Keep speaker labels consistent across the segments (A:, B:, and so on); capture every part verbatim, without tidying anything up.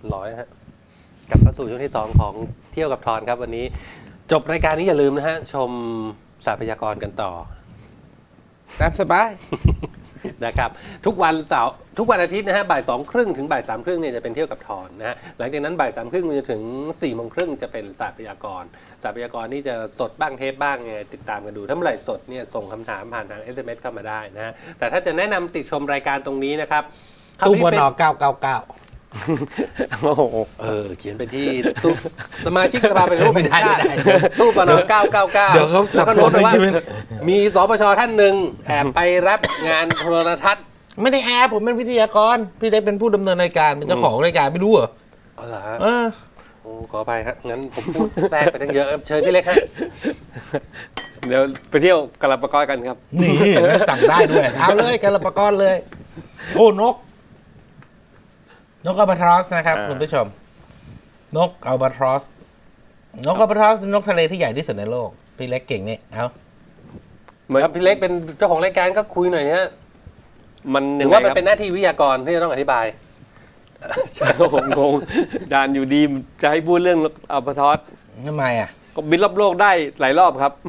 A: ร้อยฮะกลับเข้าสู่ช่วงที่สองของเที่ยวกับทอนครับวันนี้จบรายการนี้อย่าลืมนะฮะชมสาพยากรกันต่อ
B: ตามสบาย
A: นะครับทุกวันเสาร์ทุกวันอาทิตย์นะฮะบ่ายสองครึ่งถึงบ่ายสามครึ่งเนี่ยจะเป็นเที่ยวกับทอนนะฮะหลังจากนั้นบ่ายสามครึ่งจนถึงสี่โมงครึ่งจะเป็นสาพยากรสาพยากรนี่จะสดบ้างเทปบ้างไงติดตามกันดูถ้าเมื่อไหร่สดเนี่ยส่งคำถามผ่านทาง เอส เอ็ม เอส เข้ามาได้นะฮะแต่ถ้าจะแนะนำติดชมรายการตรงนี้นะครับ
B: ตู้บนอเก้าเก้าเก้า
A: โอ้โหเออเขียนไปที่ตู้สมาชิกสภาเป็นรูปเป็นชาติตู้ปนเก้าเก้าเก้าแล้วก็โน้ตไปว่ามีสปชท่านหนึ่งแอบไปรับงานโทรทัศน์
B: ไม่ได้แอบผมเป็นวิทยากรพี่ได้เป็นผู้ดำเนินรายการเป็นเจ้าของรายการไม่รู้เหรอ
A: อ๋อเหรอ
B: เออ
A: โอ้ขอไปครับงั้นผมพูดแทรกไปทั้งเยอะเชิญพี่เล็กฮะ
C: เดี๋ยวไปเที่ยวกาลาปากอกันครับ
B: นี่สั่งได้ด้วยเอาเลยกาลาปากอเลยโอ้นกนกอัลบาทรอสนะครับคุณผู้ชมนกอัลบาทรอสนกอัลบาทรอสนกทะเลที่ใหญ่ที่สุดในโลกพี่เล็กเก่งนี่เอา
A: ครับพี่เล็กเป็นเจ้าของรายการก็คุยหน่อยฮะ
C: มัน
A: หรือว่ามันเป็นหน้าที่วิทยากรที่จะต้องอธิบาย
C: ผมงงดานอยู่ดีจะให้พูดเรื่องอัลบาทรอส
B: ทำไมอ่ะ
C: ก็บินรอบโลกได้หลายรอบครับ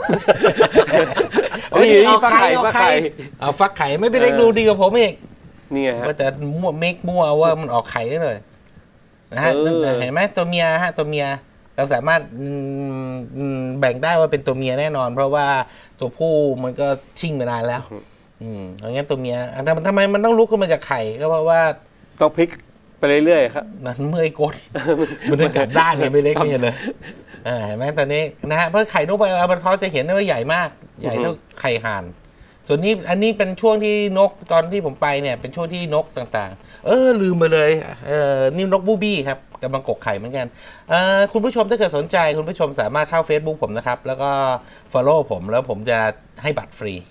B: นี่ฟักไข่ฟักไข่เอาฟักไข่ไม่เป็นเล็กดูดีกว่าผมอีก
C: นี่ไง
B: ก็จะมั่วเมกมั่วว่ามันออกไข่ได้เลยนะฮะเห็นไหมตัวเมียฮะตัวเมียเราสามารถแบ่งได้ว่าเป็นตัวเมียแน่นอนเพราะว่าตัวผู้มันก็ชิ่งมานานแล้วอืมอย่างงั้นตัวเมียแต่ทำไมมันต้องลุกขึ้นมาจากไข่ก็เพราะว่า
C: ต้องพลิกไปเรื่อยๆครับ
B: มันเมื่อยกดมันจะกลับด้านเนี่ยไม่เล็กเนี่ยเลยอ่าเห็นไหมตอนนี้นะฮะเพราะไข่นกไปอัลบาทรอสจะเห็นได้ว่าใหญ่มากใหญ่เท่าไข่ห่านส่วนนี้อันนี้เป็นช่วงที่นกตอนที่ผมไปเนี่ยเป็นช่วงที่นกต่างๆเออลืมไปเลยเออนี่นกบูบี้ครับกำลังกกไข่เหมือนกันเออคุณผู้ชมถ้าเกิดสนใจคุณผู้ชมสามารถเข้า Facebook ผมนะครับแล้วก็ follow ผมแล้วผมจะให้บัตรฟรี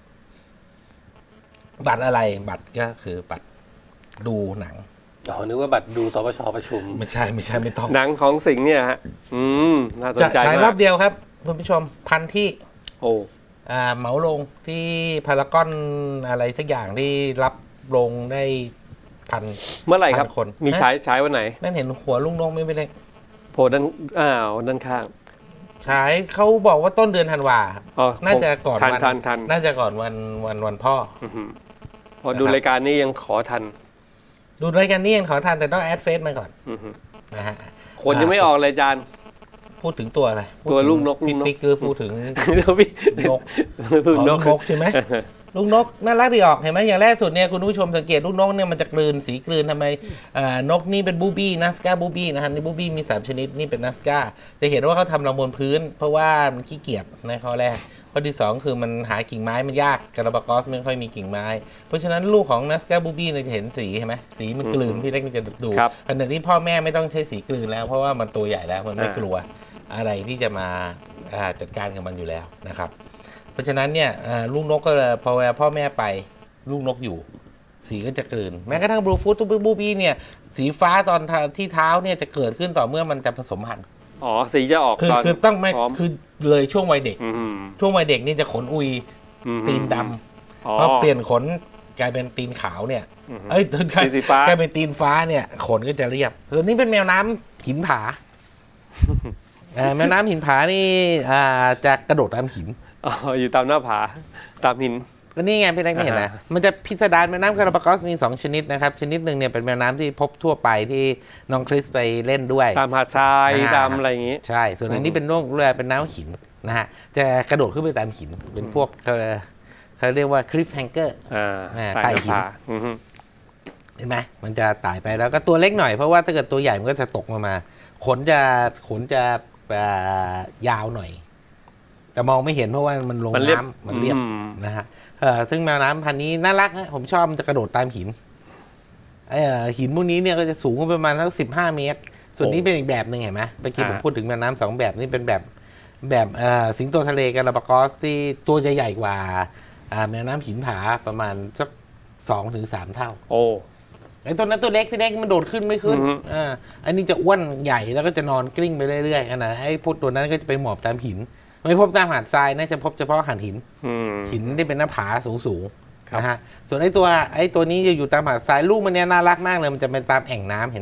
B: บัตรอะไรบัตรก็คือบัตรดูหนัง
A: อ๋อนึกว่าบัตรดูสปชประชุม
B: ไม่ใช่ไม่ใช่ไม่ต้อง
C: หนังของสิงห์เนี่ยฮะอืมน่าสนใจมาก
B: ฉายรอบเดียวครับคุณผู้ชมพันที่
C: โอ้
B: อ่าเหมาลงที่พารากอนอะไรสักอย่างที่รับลงได้พัน
C: เมื่อไหร่ครับคนมีฉายฉายวันไหน
B: นั่นเห็นหัวลุงนงไม่เป็นไร
C: โผล่ด้านอ้าวด้านข้าง
B: ฉายเขาบอกว่าต้นเดือนธันวาน่าจะก่อนวันน่าจะก่อนวันวันวันพ่อ
C: พอดูรายการนี้ยังขอทัน
B: ดูรายการนี้ยังขอทันแต่ต้องแอดเฟซมาก่อนนะฮะ
C: คนยังไม่ออกเลยจาน
B: พูดถึงตัวอะไร
C: ตัวลูกนก
B: พี่ติ๊กคือพูดถึงนกลูกนกใช่ไหมลูกนกน่ารักดีออกเห็นไหมอย่างแรกสุดเนี่ยคุณผู้ชมสังเกตลูกนกเนี่ยมันจะกลืนสีกลืนทำไมนกนี่เป็นบูบี้นัสกาบูบี้นะฮะนี่บูบี้มีสามชนิดนี่เป็นนัสกาจะเห็นว่าเขาทำรังบนพื้นเพราะว่ามันขี้เกียจในข้อแรกข้อที่สองคือมันหากิ่งไม้มันยากกาลาปากอสไม่ค่อยมีกิ่งไม้เพราะฉะนั้นลูกของนัสกาบูบี้เนี่ยจะเห็นสีใช่ไหมสีมันกลืนพี่เล็กจะดูขณะที่พ่อแม่ไม่ต้องใช้สีกลืนแล้วเพราะว่ามันตัวใหญ่แล้วมันไม่กลัวอะไรที่จะมาจัดการกับมันอยู่แล้วนะครับเพราะฉะนั้นเนี่ยลูกนกก็พอเวลาพ่อแม่ไปลูกนกอยู่สีก็จะกลืนแม้กระทั่งบลูฟูดตุ๊บบูบี้เนี่ยสีฟ้าตอนที่เท้าเนี่ยจะเกิดขึ้นต่อเมื่อมันจะผสมพันธุ์
C: อ๋อสีจะออก
B: คือคือต้องไม่คือเลยช่วงวัยเด็กช่วงวัยเด็กนี่จะขนอุยตีนดำเพราะเปลี่ยนขนกลายเป็นตีนขาวเนี่ยเอ้ยกลายเป็นตีนฟ้าเนี่ยขนก็จะเรียบส่วนนี้เป็นแมวน้ำหินผาแม่น้ำหินผานี่จะกระโดดตามหิน
C: อ๋ออยู่ตามหน้าผาตามหิน
B: ก็นี่ไงพี่เล็กไม่เห็นนะมันจะพิสดารแม่น้ำกาลาปากอสมีสองชนิดนะครับชนิดหนึ่งเนี่ยเป็นแม่น้ำที่พบทั่วไปที่น้องคริสไปเล่นด้วย
C: ตามหาดทรายตามอะไรอย่างงี้
B: ใช่ส่วนอันนี้เป็นโลกเรือเป็นน้ำหินนะฮะจะกระโดดขึ้นไปตามหินเป็นพวกเขาเรียกว่าคลิฟแฮงเกอร์ไต่หินเห็นไหมมันจะไต่ไปแล้วก็ตัวเล็กหน่อยเพราะว่าถ้าเกิดตัวใหญ่มันก็จะตกมามาขนจะขนจะยาวหน่อยแต่มองไม่เห็นเพราะว่ามันลงน้ำมันเรียบนะฮะซึ่งแมวน้ำพันธุ์นี้น่ารักฮะผมชอบมันจะกระโดดตามหินไอ้หินพวกนี้เนี่ยก็จะสูงประมาณสักสิบห้าเมตรส่วนนี้เป็นอีกแบบหนึ่งเห็นไหมเมื่อกี้ผมพูดถึงแมวน้ำสองแบบนี่เป็นแบบแบบสิงโตทะเลกาลาปากอสที่ตัวจะใหญ่กว่าแมวน้ำหินผาประมาณสักสองถึงสามเท่า
C: โอ้
B: ไอ้ตัวนั้นตัวเล็กพี่เล็กมันโดดขึ้นไม่ขึ้นอ่าอันนี้จะอ้วนใหญ่แล้วก็จะนอนกลิ้งไปเรื่อยๆนะไอ้พวกตัวนั้นก็จะไปหมอบตามหินไม่พบตามหาดทรายน่าจะพบเฉพาะหาดหินหินที่เป็นหน้าผาสูงๆนะฮะส่วนไอ้ตัวไอ้ตัวนี้จะอยู่ตามหาดทรายลูกมันเนี่ยน่ารักมากเลยมันจะเป็นตามแอ่งน้ำเห็นไหม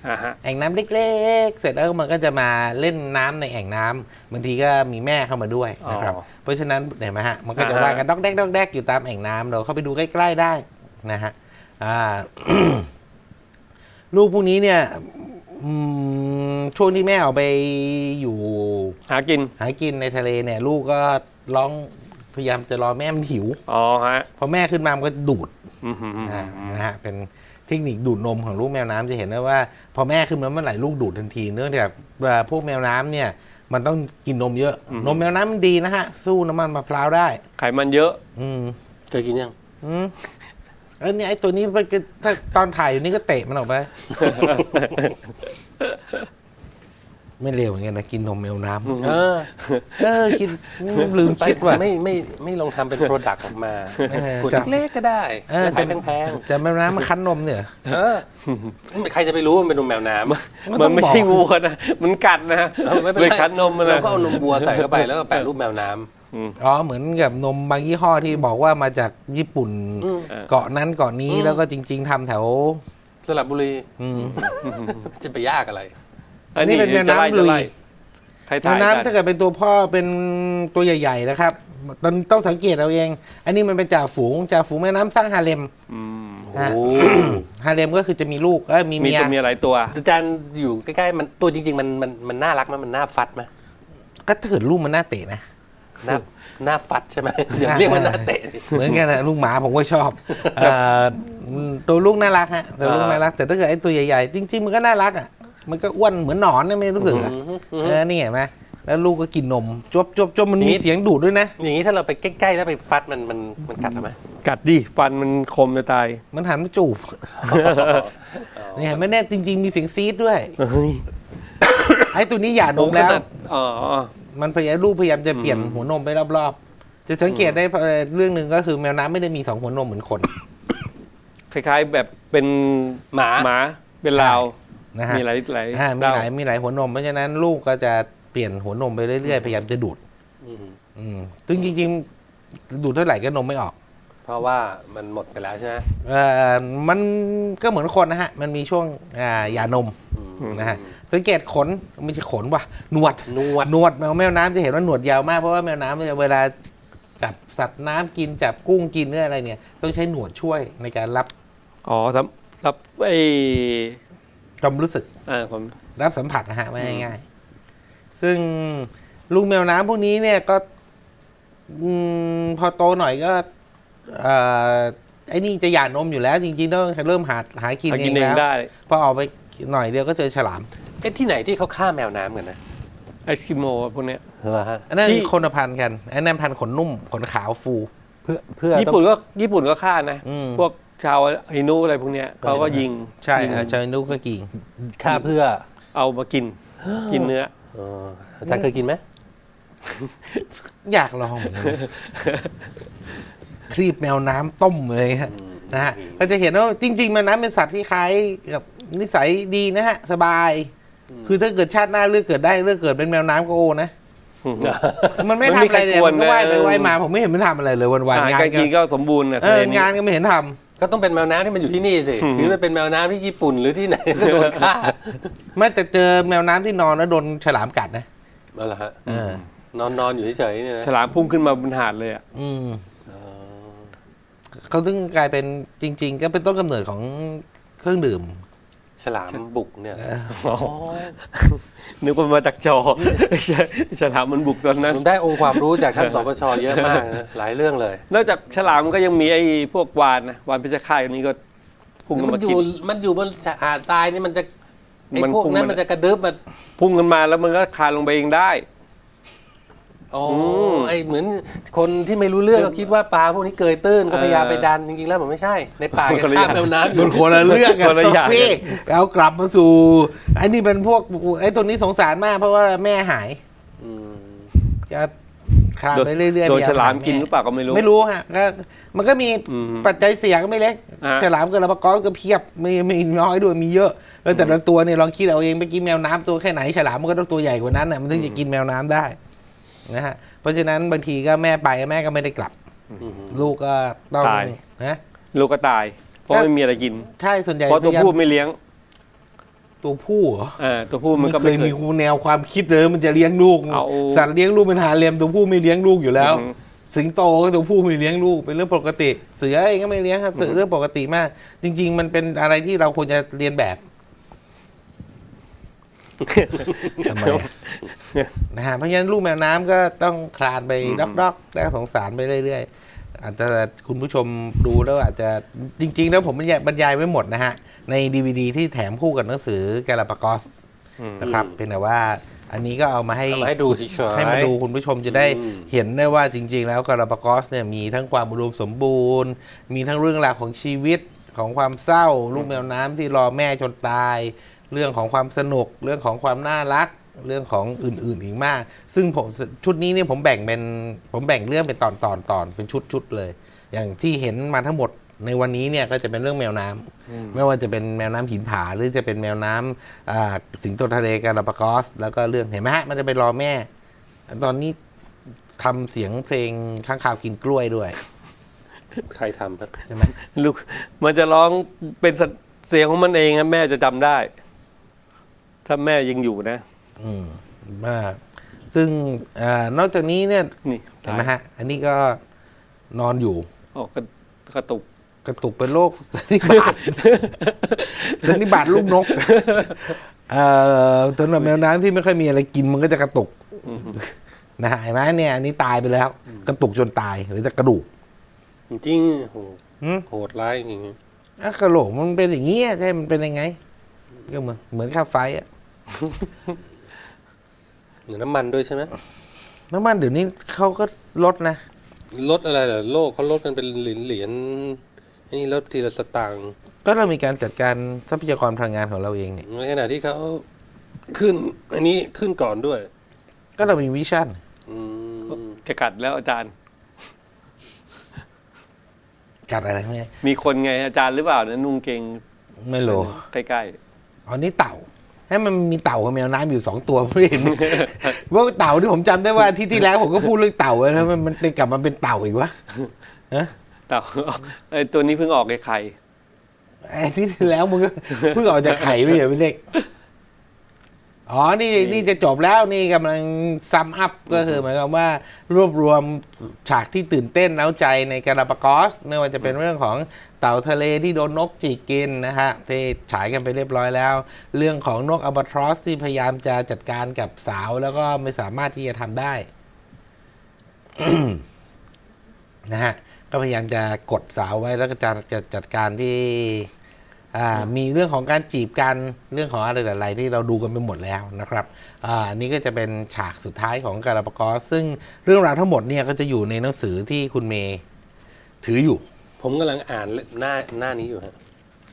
C: อ่าฮะ
B: แอ่งน้ำเล็กๆ เสร็จแล้วมันก็จะมาเล่นน้ำในแอ่งน้ำบางทีก็มีแม่เข้ามาด้วยนะครับ
C: อ๋อ
B: เพราะฉะนั้นเห็นไหมฮะมันก็จะ
C: อ่าฮะ
B: ว่ายกันดอกแดกดอกแดกอยู่ตามแอ่งน้ำเราเข้าไปดูใกล้ๆได้นะฮะอ่า ลูกพวกนี้เนี่ยอืมช่วงที่แม่ออกไปอยู่
C: หากิน
B: หากินในทะเลเนี่ย ลูกก็ร้องพยายามจะรอแม่มันหิว
C: อ๋อฮะ
B: พอแม่ขึ้นมามันก็ดูด
C: อืมฮึ
B: อ่านะฮะเป็นเทคนิคดูดนมของลูกแมวน้ำจะเห็นได้ว่า พอแม่ขึ้นมาเมื่อไหร่ลูกดูดทันทีเนื่องจากว่าพวกแมวน้ำเนี่ย มันต้องกินนมเยอะ นมแมวน้ำมันดีนะฮะ สู้น้ำมันมะพร้าวได้
C: ไขมันเยอะ
B: อืม
A: เคยกินยัง
B: อืมเออเนี่ยไอ้ตัวนี้มันก็ถ้าตอนถ่ายอยู่นี่ก็เตะมันออกไป ไม่เร็วเหมือนกันนะกินนมแมวน้ำ
A: เออ
B: เออคิดลืม
A: ไป
B: คิดว่า
A: ไม่ไม่ไม่ลองทำเป็นโปรดักต์ออกมา
B: เออ
A: ขวด
B: จะ
A: เล็กๆก็ได้
B: เออ
A: ราคาแพง
B: แต่แมวน้ำมันคั้นนมเนี่ย
A: ๆเออใครจะไปรู้ว่ามันเป็นนมแมวน้ำ
C: มันไม่ใช่วัวนะ มันกัดนะ
A: เออไม่เป็น
C: เลย
A: ไร
C: คั้นนมมัน
A: เรา
C: นะ
A: ก็เอานมวัวใส่เข้าไปแล้วก็แปะรูปแมวน้ำ
B: อ๋อเหมือนกับนมบางยี่ห้อที่บอกว่ามาจากญี่ปุ่น
A: อืม
B: เกาะนั้นเกาะนี้
A: อืม
B: แล้วก็จริง ๆทำแถว
A: สระบุรี
B: อืม
A: จะไปยากอะไร
C: อัน
B: นี่
C: นี้
B: เป็นแมว
C: จะไล่
B: น้ำลุ
C: จะ
B: ย
C: ไล่ใคร
B: แม
C: ถ่ายว กั
B: น้ำถ้าน เกิดเป็นตัวพ่อเป็นตัวใหญ่ๆนะครับต้องต้องสังเกตเอาเอง อันนี้มันเป็นจ่าฝูงจ่าฝูงแม่น้ำสร้างฮาเลม
C: อืม
A: โอ้
B: ฮาเลมก็คือจะมีลูกเอ้ยมี
C: มี
B: เมีย
C: ตัวเมียหลายตัว
A: อาจารย์อยู่ใกล้ๆมันตัวจริง ๆ มันมันมันน่ารักไหมมันน่าฟัดไหม
B: ก็ถ้าเกิดลูกมันน่าเตะนะ
A: น่าน่าฟัดใช่ไหมอย่าเรียกว่าน่าเตะดิ
B: เหมือนกันนะลูกหมาผมก็ชอบเอ่อตัวลูกน่ารักฮะตัวลูก
A: อ่า
B: น่ารัก แต่ถ้าเกิดไอ้ตัวใหญ่ๆจริงๆมันก็น่ารักอ่ะมันก็อ้วนเหมือนหนอนนะไม่รู้สึกอะ
A: อืมอืม
B: เออนี่เห็นไหมแล้วลูกก็กินนมจบจบจบมัน
A: อย่าง
B: มี
A: นี้
B: เสียงดูดด้วยนะ
A: อย่างนี้ถ้าเราไปใกล้ๆแล้วไปฟัดมันมันมันกัดเราไหม
C: กัดดิ ฟันมันคมจะตาย
B: มันหันมาจูบนี่เห็นไหมเนี่ยจริง ๆ มีเสียงซีดด้วย
C: เฮ้ย
B: ไอ้ตัวนี้หย่านม
C: ข
B: แล้ว
C: นาดอ๋อ
B: มันพยายามลูกพยายามจะเปลี่ยน
C: อืม
B: หัวนมไปรอบๆ จะสังเกตได้เอ่อเรื่องหนึ่งก็คือแมวน้ำไม่ได้มีสองหัวนมเหมือนคน
C: คล้ายๆแบบเป็น
A: หมา
C: หมา เป็นลาว
B: นะฮะ
C: มีหลายหลาย
B: อ่ามี
C: ดาว
B: หลายมีหลายหัวนมเพราะฉะนั้นลูกก็จะเปลี่ยนหัวนมไปเรื่อยๆพยายามจะดูด
A: อืม
B: อืมซึ่งจริงๆ ดูดเท่าไหร่ก็นมไม่ออก
A: เพราะว่ามันหมดไปแล้วใช่ไหม
B: เอ่อมันก็เหมือนคนนะฮะ มันมีช่วงอ่าหย่านม
A: อืม
B: นะฮะ สังเกตขนไม่ใช่ขนว่ะหนวด
A: นวด
B: หนวดแมวแมวน้ำจะเห็นว่าหนวดยาวมากเพราะว่าแมวน้ำเนี่ยเวลาจับสัตว์น้ำกินจับกุ้งกินหรืออะไรเนี่ย ต้องใช้หนวดช่วยในการรับ
C: อ๋อรับรับไอ้
B: ความรู้สึก
C: อ่าผม
B: รับสัมผัสนะฮะไม่ง่ายๆซึ่งลูกแมวน้ำพวกนี้เนี่ยก็อมพอโตหน่อยก็เอ่อไอ้นี่จะหย่านมอยู่แล้ว จริงๆต้องเริ่มหาหากิน
C: หา
B: เอ
C: กิน
B: ง
C: เอง
B: แล้ว
C: ได้
B: พอออกไปหน่อยเดียวก็เจอฉลาม
A: เอ๊ะที่ไหนที่เขาฆ่าแมวน้ำกันนะ
C: ไอสกิโมพวกเนี้ย
A: เหรอฮะ
B: อันนั้น
C: ที่
B: คนละพันธุ์กันอันนั้นพันธุ์ขนนุ่มขนขาวฟู
A: เพื่อเพื่อ
C: ญี่
A: ต้อง
C: ปุ่นก็ญี่ปุ่นก็ฆ่านะ
B: อืม
C: พวกชาวฮินูอะไรพวกเนี้ยเขาก็ยิง
B: ใช่
C: ยิง
B: ฮะชาวนุก็กิน
A: ฆ่าเพื่อ
C: เอามากิน กินเนื้อ
A: เอออาจารย์เคยกินไหม
B: อยากลองเหมือนกันครีบแมวน้ำต้มเลยฮะนะฮะก็จะเห็นว่าจริง ๆ แมวน้ำเป็นสัตว์ที่คล้ายกับนิสัยดีนะฮะ สบาย คือถ้าเกิดชาติหน้าเลือกเกิดได้เลือกเกิดเป็นแมวน้ำก็โอนะ มันไม่
C: มัน
B: ทำ
C: ไม่
B: อะไรเลย
C: ใครกวน
B: มันก็ว่ายไป
C: นะ
B: ว่ายมา ผมไม่เห็นมันทำอะไรเลยวัน
C: อา
B: ๆ
C: หาร
B: งาน
C: การ
B: ก็
C: กินก็สมบูรณ์นะ
B: เอ
C: ทะเล
B: อ
C: นี้
B: งานก็ไม่เห็นท
A: ก็ต้องเป็นแมวน้ำที่มันอยู่ที่นี่สิคือมันเป็นแมวน้ำที่ญี่ปุ่นหรือที่ไหนก็โดนฆ่า
B: ำไม่แต่เจอแมวน้ำที่นอนแล้วโดนฉลามกัดนะ
A: นั่นแหละฮะ
B: เออน
A: อนนอนอยู่เฉยๆเนี่ยนะ
C: ฉลามพุ่งขึ้นมาบนหาดเลยอ่ะ
B: อืม
A: อ๋อ
B: เขาถึงกลายเป็นจริง ๆ ก็เป็นต้นกำเนิดของเครื่องดื่ม
A: ฉลามบุกเนี่ย
C: นึกว่ามาจากจอ ฉลามมันบุกตอนนั้น
A: ผมได้องค์ความรู้จากท่านสปชเยอะมากนะหลายเรื่องเลย
C: นอกจากฉลามก็ยังมีไอ้พวกวานนะวานเพชรฆาตอันนี้ก็พุ่งกัน
A: มัน
C: มา
A: อยู่
C: กิน
A: มันอยู่บนหาดทรายนี่มันจะไอ้
C: มัน
A: พวก
C: คง
A: นั้น
C: มัน
A: มันจะกระดึบมา
C: พุ่งกันมาแล้วมันก็คลานลงไปเองได้
A: อ๋ออ
C: ม
A: ไอ้เหมือนคนที่ไม่รู้เรื่องก็คิดว่าปลาพวกนี้เกยตื้นก็พยายาม
C: เออ
A: ไปดันจริงๆแล้วมันไม่ใช่ ในป่าแก
C: คนละอ
A: ข้า
C: ย่าม ง
A: แมวน้ำอ
B: โด
A: ยู่
B: นคนละเรื่องกัน
C: คนละอย่าง
B: พี่เอากลับมาสู่ไอ้นี่เป็นพวกไอ้ตัวนี้สงสารมากเพราะว่าแม่หาย
A: อืม
B: จะคลานไปเรื่อยๆ
C: โดน
B: พยย
C: ฉลาม
B: หแ
C: กินหรือเปล่าก็ไม่รู้
B: ไม่รู้ฮะก็มันก็มี
C: อืม
B: ปัจจัยเสี่ยงก็ไม่เล็ก
C: อ่า
B: ฉลามกับลาปากอก็เพียบไม่ไม่น้อยด้วยมีเยอะ แล้วแต่ละตัวเนี่ยลองคิดเอาเองไปกินแมวน้ำตัวแค่ไหนฉลามมันก็ต้องตัวใหญ่กว่านั้นน่ะมันถึงจะกินแมวน้ำได้นะฮะเพราะฉะนั้นบางทีก็แม่ไปแม่ก็ไม่ได้กลับ
A: อืม
B: ลูกก็ต้อง
C: ตาย
B: นะ
C: ลูกก็ตาย เพราะไม่มีอะไรกิน
B: ใช่ส่วนใหญ่
C: เพราะตัว
B: พยายาม
C: ผู้ไม่เลี้ยง
B: ตัวผู้เหรอ
C: เออตัวผู้มันก็
B: เค
C: ไม่
B: ย
C: เค
B: มี
C: ย
B: แนวความคิดเลยมันจะเลี้ยงลูก
C: เอา
B: สัตว์เลี้ยงลูกเป็นหาเลี้ยงตัวผู้ไม่เลี้ยงลูกอยู่แล้ว
C: อือฮึ
B: สิงโตก็ตัวผู้ไม่เลี้ยงลูกเป็นเรื่องปกติ เสือเองก็ไม่เลี้ยงครับเสือเรื่องปกติมาก จริง ๆ มันเป็นอะไรที่เราควรจะเรียนแบบทำไมอะนะฮะเพราะฉะนั้นลูกแมวน้ำก็ต้องคลานไปด็อกๆแล้วสงสารไปเรื่อยๆอาจจะคุณผู้ชมดูแล้วอาจจะจริง ๆ แล้วผมบรรยายบรรยายไว้หมดนะฮะใน ดี วี ดี ที่แถมคู่กับหนังสือกาลาปากอส
C: อืม
B: นะครับเพียงแต่ว่าอันนี้ก็เอามาให้
A: เอามาให้ดูเฉยๆ
B: ให้มาดูคุณผู้ชมจะได้
A: อืม
B: เห็นได้ว่าจริง ๆ แล้วกาลาปากอสเนี่ยมีทั้งความอุดมสมบูรณ์ มีทั้งเรื่องราวของชีวิตของความเศร้า ลูกแมวน้ำที่รอแม่จนตาย เรื่องของความสนุก เรื่องของความน่ารัก เรื่องของอื่น ๆ อีกมาก ซึ่งผมชุดนี้เนี่ยผมแบ่งเป็นผมแบ่งเรื่องเป็นตอนตอนตอนเป็นชุดๆเลย อย่างที่เห็นมาทั้งหมดในวันนี้เนี่ยก็จะเป็นเรื่องแมวน้ำไม่ว่าจะเป็นแมวน้ำหินผาหรือจะเป็นแมวน้ำอ่าสิงโตทะเลกาลาปากอส แล้วก็เรื่องเห็นไหมฮะมันจะไปรอแม่ ตอนนี้ทำเสียงเพลงข้างคาวกินกล้วยด้วย
A: ใครทำครับ
B: ใช่ไหม
C: ลูกมันจะร้องเป็นเสียงของมันเองนะแม่จะจำได้ ถ้าแม่ยังอยู่นะ
B: อืมมากซึ่งอานอกจากนี้เนี่ย
C: นี่
B: เห็นไหมฮะ อันนี้ก็นอนอยู่
C: ออกกระกระตุก
B: กระตุกเป็นโรคสันนิบาต สันนิบาตลูกนกเอ่อสำหรับแมวน้ำที่ไม่ค่อยมีอะไรกินมันก็จะกระตุกนะฮะเห็นไหมเนี่ยอันนี้ตายไปแล้ว กระตุกจนตายหรือจะกระดูก
A: จริงๆโห
B: หืม
A: โหดร้ายจริง
B: อ่ะกระโหลกมันเป็นอย่างนี้ใช่มันเป็นยังไงก็เหมือนเหมือนค่าไฟอะ
A: ๆเหมือนน้ำมันด้วยใช่ไหม
B: น้ำมันเดี๋ยวนี้เขาก็ลดนะ
A: ลดอะไรเหรอโลกเขาลดกันเป็นเหรียญเหรียญไอ้นี่ลดทีละสตางค์
B: ก็เรามีการจัดการทรัพยากรพลังงานของเราเองเนี่ย
A: ในขณะที่เขาขึ้น อันนี้ขึ้นก่อนด้วย
B: ก็เรามีวิชั่น
A: อืม
C: จะกัดแล้วอาจารย์
B: กัดอะไรไหม
C: มีคนไงอาจารย์หรือเปล่านะนุ่งเกง
B: ไม่รู้
C: ใกล้
B: อ๋อนี่เต่า ให้มันมีเต่ากับแมวน้ำอยู่สองตัวไม่เห็น ว่าเต่าที่ผมจำได้ว่าที่ที่แล้วผมก็พูดเรื่องเต่าแล้วมันมันกลับมาเป็นเต่าอีกวะฮะ
C: ๆแต่ไอตัวนี้เพิ่งออกไอ้ไข่
B: ไอ้ที่ที่แล้วมึงก็เพิ่งออกจากไข่ไม่ใช่พี่เล็กอ๋อนี่นี่จะจบแล้วนี่กำลังซัมอัพก็คือหมายความว่ารวบรวมฉากที่ตื่นเต้นเร้าใจในกาลาปากอสไม่ว่าจะเป็นเรื่องของเต่าทะเลที่โดนนกจิกกินนะฮะที่ฉายกันไปเรียบร้อยแล้ว เรื่องของนกอัลบาทรอสที่พยายามจะจัดการกับสาวแล้วก็ไม่สามารถที่จะทำได้ นะฮะก็พยายามจะกดสาวไว้แล้วก็จะจะจัดการที่อ่ามีเรื่องของการจีบกันเรื่องของอะไรหลายๆที่เราดูกันไปหมดแล้วนะครับอ่านี่ก็จะเป็นฉากสุดท้ายของกาลาปากอสซึ่งเรื่องราวทั้งหมดเนี่ยก็จะอยู่ในหนังสือที่คุณเมย์ถืออยู่
A: ผมกำลังอ่านหน้าหน้านี้อยู่ฮะ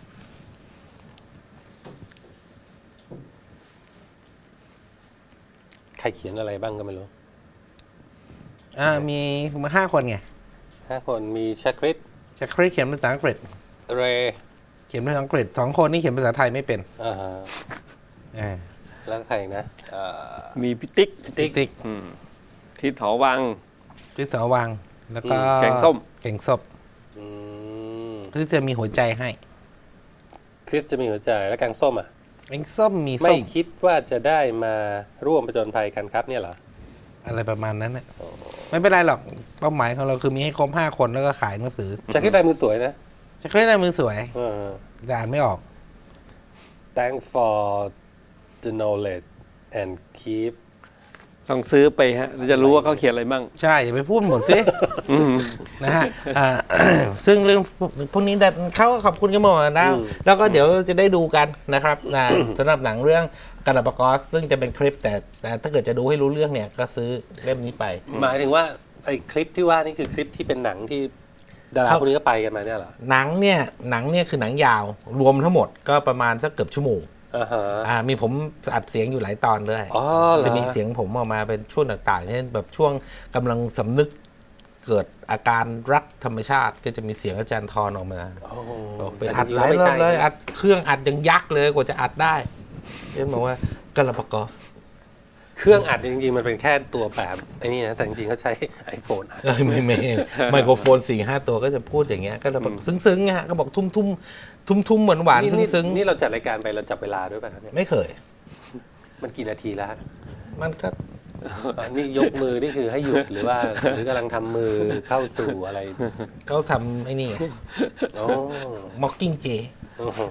A: ใครเขียนอะไรบ้างก็ไม่รู้
B: อ่ามีมาห้าคนไง
A: ห้าคนมีชาคริต
B: จะคริสเขียนภาษาอังกฤษ
A: เร
B: เขียนภาษาอังกฤษสองคนนี่เขียนภาษาไทยไม่เป็น
A: อ่าฮะ
B: อ่า
A: แล้วก็ใครอีกนะเอ่อ
C: มีพิติ๊ก
A: ติ๊ก
B: ติ๊ก
C: อืมทิศหอวัง
B: คริสสอวังแล้วก็
C: แกงส้ม
B: แกงส้ม
A: อืม
B: คริสจะมีหัวใจให้
A: คริสจะมีหัวใจแล้วแกงส้มอ่ะ
B: แกงส้มมี
A: ไม่
B: ส้ม
A: คิดว่าจะได้มาร่วมประจนภัยกันครับเนี่ยเหรอ
B: อะไรประมาณนั้นนะไม่เป็นไรหรอกเป้าหมายของเราคือมีให้ครบห้าคนแล้วก็ขายหนังสือ
A: ชาคริตลายมือสวยนะ
B: จะคริสได้มือสวย
A: เออ
B: แต่อ่านไม่ออก
A: Thank for the knowledge and keep
C: ต้องซื้อไปฮะเราจะรู้ว่าเขาเขียนอะไรบ้าง
B: ใช่อย่าไปพูดหมดสิ
C: อืม
B: นะฮะอ่า ซึ่งเรื่องพวกนี้แต่เขาก็ขอบคุณกันหมดแล้ว
A: อืม
B: แล้วก็เดี๋ยวจะได้ดูกันนะครับอ่าสำหรับหนังเรื่องกาลาปากอสซึ่งจะเป็นคลิปแต่แต่ถ้าเกิดจะดูให้รู้เรื่องเนี่ยก็ซื้อเล่มนี้ไป
A: หมายถึงว่าไอ้คลิปที่ว่านี่คือคลิปที่เป็นหนังที่ดารา
B: ครับ
A: คนนี้ก็ไปกันมาเนี่ยเหรอ
B: หนังเนี่ยหนังเนี่ยคือหนังยาวรวมทั้งหมดก็ประมาณสักเกือบชั่วโมง
A: อ่าฮะ
B: อ่ามีผมอัดเสียงอยู่หลายตอนเลย
A: อ๋อเหรอ
B: จะมีเสียงผมออกมาเป็นช่วงต่างๆเช่นแบบช่วงกำลังสำนึกเกิดอาการรักธรรมชาติ ก็จะมีเสียงอาจารย์ทอนออกมา
A: โอ้โห
B: บอกไป
A: แต่
B: อัด
A: จริง
B: ห
A: ๆ
B: ลา
A: แล้ว
B: ย
A: ไม่
B: รอ
A: ใช่
B: บเลย
A: นะ
B: อัดเครื่องอัดยังยักษ์เลยกว่าจะอัดได้เช่นบอกว่ากาลาปากอส
A: เครื่องอัดจริงๆมันเป็นแค่ตัวแบบไอ้นี่นะแต่จริงๆเขาใช้ iPhone อัด
B: เอ้ยไม่ไม่ไมโครโฟนสี่ห้าตัวก็จะพูดอย่างเงี้ยก็จะแบบซึ้งๆฮะก็บอกทุ่มทุ่มทุ่มทุ่มๆหวานหวานๆ
A: นี่นี่
B: ซึ้ง
A: นี่เราจัดรายการไปเราจับเวลาด้วยป่ะครับเนี่ย
B: ๆไม่เคย
A: มันกี่นาทีแล้วฮะ
B: มันก็
A: อ่ะนี่ยกมือนี่คือให้หยุดหรือว่าหรือกำลังทำมือเข้าสู่อะไร
B: เขาทำไอ้นี่
A: โอ้
B: mocking jay
A: โอ้โห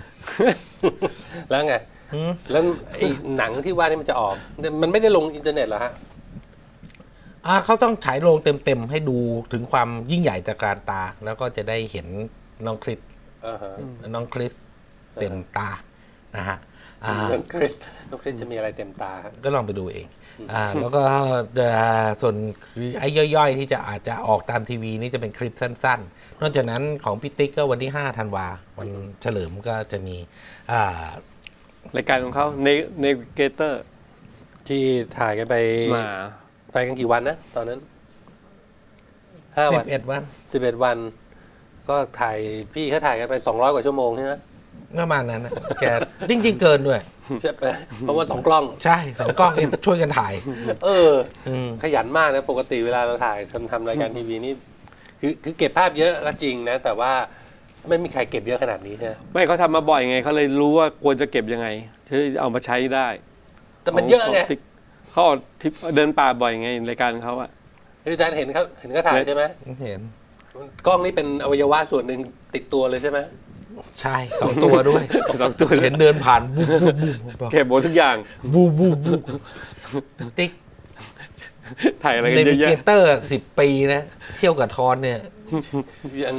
A: แล้วไง
B: หืม
A: แล้วไอ้หนังที่ว่านี่มันจะออก มันไม่ได้ลงอินเทอร์เน็ตเหรอฮะ
B: อ่าเขาต้องฉายโรงเต็มๆให้ดูถึงความยิ่งใหญ่ตระการตา แล้วก็จะได้เห็นน้องคริส
A: อ่าฮะ
B: น้องคริสเต็มตานะฮะอ่า
A: น้องคริสน้องคริสจะมีอะไรเต็มตาฮะ
B: ก็ลองไปดูเองอ่าแล้วก็จะส่วนไอ้ย่อยๆ ที่จะอาจจะออกตามทีวีนี่จะเป็นคลิปสั้นๆ นอกจากนั้นของพี่ติ๊กก็วันที่ห้าธันวาวันเฉลิมก็จะมีอ่าร
C: ายการของเขาเนวิเกเตอร์
A: ที่ถ่ายกันไป
C: มา
A: ไปกันกี่วันนะ ตอนนั้นห้า
B: สิ
A: วัน
B: บเอ็ดวัน
A: สิบเอ็ดวัน ก็ถ่ายพี่เขาถ่ายกันไปสองร้อยกว่าชั่วโมงใช่ไหม
B: ประมาณนั้นนะแกจริงๆเกินด้วย
A: ใช่ไหมเพราะว่าสองกล้อง
B: ใช่สองกล้องเองช่วยกันถ่าย
A: เออ
B: อืม
A: ขยันมากนะ ปกติเวลาเราถ่ายทำทำรายการทีวีนี่คือคือเก็บภาพเยอะก็จริงนะ แต่ว่าไม่มีใครเก็บเยอะขนาดนี้ใช่ไหม
C: ไม่เขาทำมาบ่อยไงเขาเลยรู้ว่าควรจะเก็บยังไงที่เอามาใช้ได้
A: แต่มันเยอะไง
C: เขาออกทริปเดินป่าบ่อยไงรายการเขาอะ
A: อาจารย์เห็นเขาเห็นเขาถ่ายใช่ไหม
B: เห็น
A: กล้องนี่เป็นอวัยวะส่วนหนึ่งติดตัวเลยใช่ไหม
B: ใช่สองตัวด้วย
C: สองตัว
B: เห็นเดินผ่านบูบบูบบูบ
C: เก็บหมดทุกอย่าง
B: บูบบูบบูบติ๊ก
C: ถ่ายอะไรกั
B: เน
C: นเย
B: วิ
C: อะ
B: เก
C: แยะ
B: เตอร์สิบปีนะ เที่ยวกับทอนเนี่ย
A: ยัง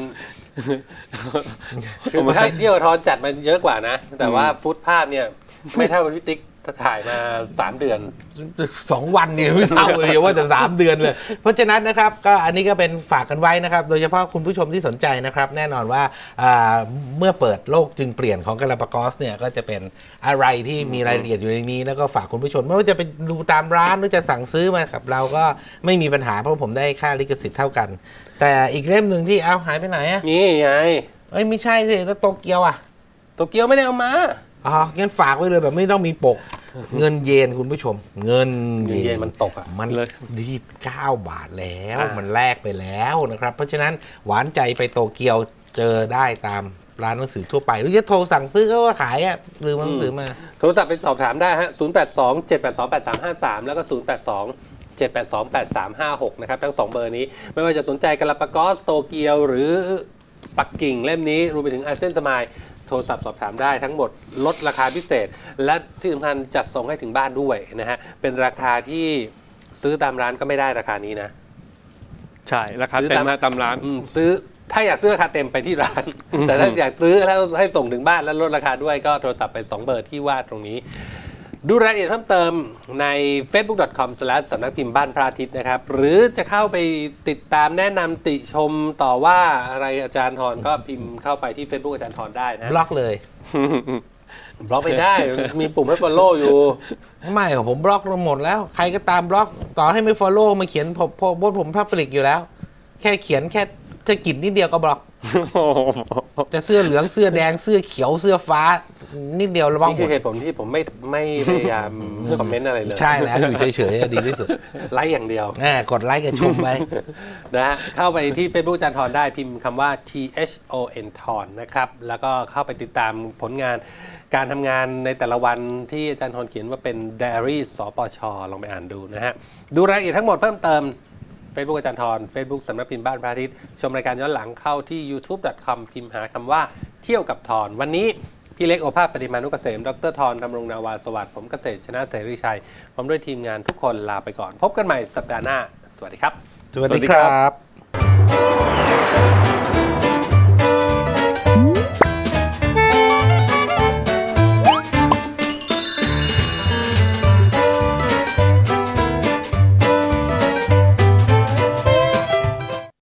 A: คือถ้าเที่ยวทอนจัดมาเยอะกว่านะ แต่ว่าฟุตภาพเนี่ย ไม่เท่าพิติกถ่ายมาสามเดือน
B: สองวันเนี่ยไม่เท่าเลยว่าจะสามเดือนเลย เพราะฉะนั้นนะครับก็อันนี้ก็เป็นฝากกันไว้นะครับ โดยเฉพาะคุณผู้ชมที่สนใจนะครับ แน่นอนว่าอ่าเมื่อเปิดโลกจึงเปลี่ยนของกาลาปากอสเนี่ยก็จะเป็นอะไรที่มีรายละเอียดอยู่ในนี้ แล้วก็ฝากคุณผู้ชมไม่ว่าจะไปดูตามร้านหรือจะสั่งซื้อมาครับเราก็ไม่มีปัญหาเพราะผมได้ค่าลิขสิทธิ์เท่ากัน แต่อีกเล่มหนึ่งที่เอาหายไปไหนอ่ะ
A: นี่ไง
B: เอ้ยไม่ใช่สิแล้วโตเกียวอ่ะ
A: โตเกียวไม่ได้เอามา
B: อ๋องั้นฝากไว้เลยแบบไม่ต้องมีปก เงินเยนคุณผู้ชม เงิน
A: เงินเยนมันตกอ่ะ
B: มัน
C: เลย
B: ดีบเก้าบาทแล้ว
C: อ่ามั
B: มันแลกไปแล้วนะครับ เพราะฉะนั้นหวานใจไปโตเกียวเจอได้ตามร้านหนังสือทั่วไป หรือจะโทรสั่งซื้อก็ว่าขายอ่ะหรือหนังสือมา
A: โทรศัพท์ไปสอบถามได้ฮะ ศูนย์ แปด สอง เจ็ด แปด สอง แปด สาม ห้า สาม แล้วก็ ศูนย์ แปด สอง เจ็ด แปด สอง แปด สาม ห้า หก นะครับ ทั้งสองเบอร์นี้ ไม่ว่าจะสนใจกาลาปากอสโตเกียวหรือปักกิ่งเล่มนี้รวมไปถึงอาเซียนสมายโทรศัพท์สอบถามได้ทั้งหมดลดราคาพิเศษ และที่สำคัญจัดส่งให้ถึงบ้านด้วยนะฮะ เป็นราคาที่ซื้อตามร้านก็ไม่ได้ราคานี้นะ
C: ใช่ราคาเต็มมาตามร้าน
A: อืมซื้อถ้าอยากซื้อราคาเต็มไปที่ร้าน แต่ถ้าอยากซื้อแล้วให้ส่งถึงบ้านแล้วลดราคาด้วยก็โทรศัพท์ไปสองเบอร์ที่ว่าตรงนี้ ดูรายละเอียดเพิ่มเติมใน เฟซบุ๊ก ดอท คอม สแลช สำนักพิมพ์บ้านพระอาทิตย์นะครับ หรือจะเข้าไปติดตามแนะนำติชมต่อว่าอะไรอาจารย์ทรก็พิมพ์เข้าไปที่ Facebook อาจารย์ทรได้นะ
B: บล็อกเลย
A: บล็อกไม่ได้ มีปุ่มให้ follow อยู่
B: ไม่ของผมบล็อกหมดแล้ว ใครก็ตามบล็อก ต่อให้ไม่ follow มาเขียนผมผมผมผมพับปลิกอยู่แล้ว แค่เขียนแค่จะกินนิดเดียวก็บล็อก จะเสื้อเหลืองเสื้อแดงเสื้อเขียวเสื้อฟ้า นิดเดียวระวัง
A: นี่
B: หม
A: คือ
B: ด
A: เหตุผลที่ผมไม่ไม่พยายามคอมเมนต์อะไรเลย
B: ใช่แล้วอยู่เฉยๆดีที่สุด
A: ไลค์อย่างเดียว
B: แหมกดไลค์กับชมไป
A: นะฮะเข้าไปที่ Facebook อาจารย์ทรได้พิมพ์คำว่า T H O N ทรนะครับ แล้วก็เข้าไปติดตามผลงานการทำงานในแต่ละวันที่อาจารย์ทรเขียนว่าเป็น Diary สปช ลองไปอ่านดูนะฮะ ดูรายละเอียดทั้งหมดเพิ่มเติม Facebook อาจารย์ทร Facebook สำนักพิมพ์บ้านพระอาทิตย์ชมรายการย้อนหลังเข้าที่ ยูทูบ ดอท คอม พิมพ์หาคำว่าเที่ยวกับทรวันนี้พี่เล็กโอภาสปฏิมานุกเกษมดรทรดำรงนาวาสวัสดิ์ผมเกษตรชนะเสรีชัยพร้อมด้วยทีมงานทุกคนลาไปก่อน พบกันใหม่สัปดาห์หน้าสวัสดีครับ
B: สวัสดีครับ